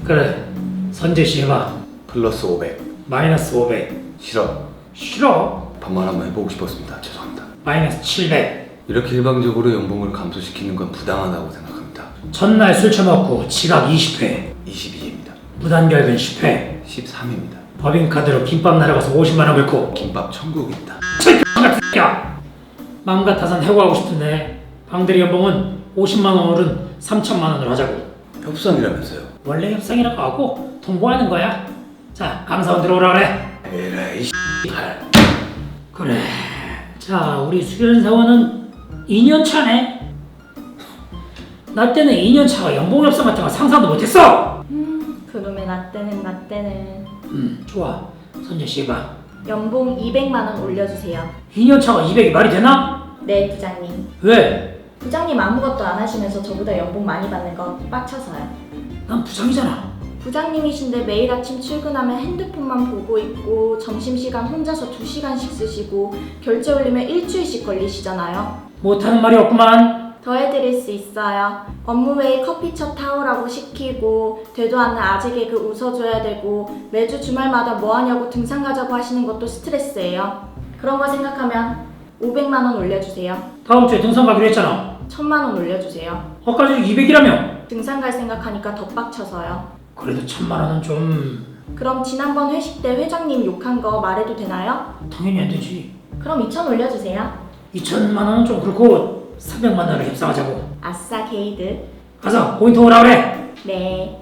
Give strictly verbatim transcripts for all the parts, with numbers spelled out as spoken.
그래, 선재씨 해봐. 플러스 오백. 마이너스 오백. 싫어. 싫어. 반말 한번 해보고 싶었습니다. 죄송합니다. 마이너스 칠백. 이렇게 일방적으로 연봉을 감소시키는 건 부당하다고 생각합니다. 전날 술 처먹고 지각 이십 회. 이십이입니다. 무단결근 십 회. 십삼입니다. 법인카드로 김밥 날아가서 오십만 원 긁고. 김밥 천국입니다. 야! 마음 같아선 해고하고 싶은데 방대리 연봉은 오십만 원 오른 삼천만 원으로 하자고. 협상이라면서요. 원래 협상이라고 하고 통보하는 거야. 자, 감사원 들어오라 그래. 에라이 씨발. 그래. 자, 우리 수련 사원은 이 년 차네. 나 때는 이 년 차가 연봉 협상 같은 거 상상도 못했어. 음, 그놈의 나 때는 나 때는 음, 좋아. 선재 씨가 연봉 이백만 원 올려주세요. 이 년 차가 이백이 말이 되나? 네, 부장님. 왜? 부장님 아무것도 안 하시면서 저보다 연봉 많이 받는 거 빡쳐서요. 난 부장이잖아. 부장님이신데 매일 아침 출근하면 핸드폰만 보고 있고 점심시간 혼자서 두 시간씩 쓰시고 결제 올리면 일주일씩 걸리시잖아요. 못하는 말이 없구만. 더 해드릴 수 있어요. 업무 외에 커피숍 타오라고 시키고 되도 않는 아재 개그 웃어줘야 되고 매주 주말마다 뭐하냐고 등산 가자고 하시는 것도 스트레스예요. 그런 거 생각하면 오백만 원 올려주세요. 다음 주에 등산 가기로 했잖아. 천만 원 올려주세요. 아까 이백이라며. 등산 갈 생각하니까 더 빡쳐서요. 그래도 천만 원은 좀 그럼 지난번 회식 때 회장님 욕한 거 말해도 되나요? 당연히 안 되지. 그럼 이천 올려주세요. 이천만 원은 좀 그렇고 삼백만 원을 협상하자고. 아싸 게이드. 가서 포인트 오라 그래. 네.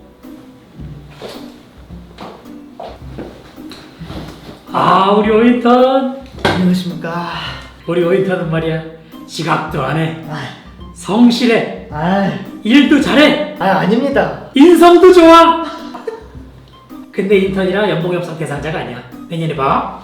아, 우리 오인턴. 안녕하십니까. 우리 오인턴은 말이야, 지각도 안 해, 아, 성실해, 아, 일도 잘해, 아 아닙니다. 인성도 좋아. 근데 인턴이라 연봉 협상 대상자가 아니야. 내년에 봐.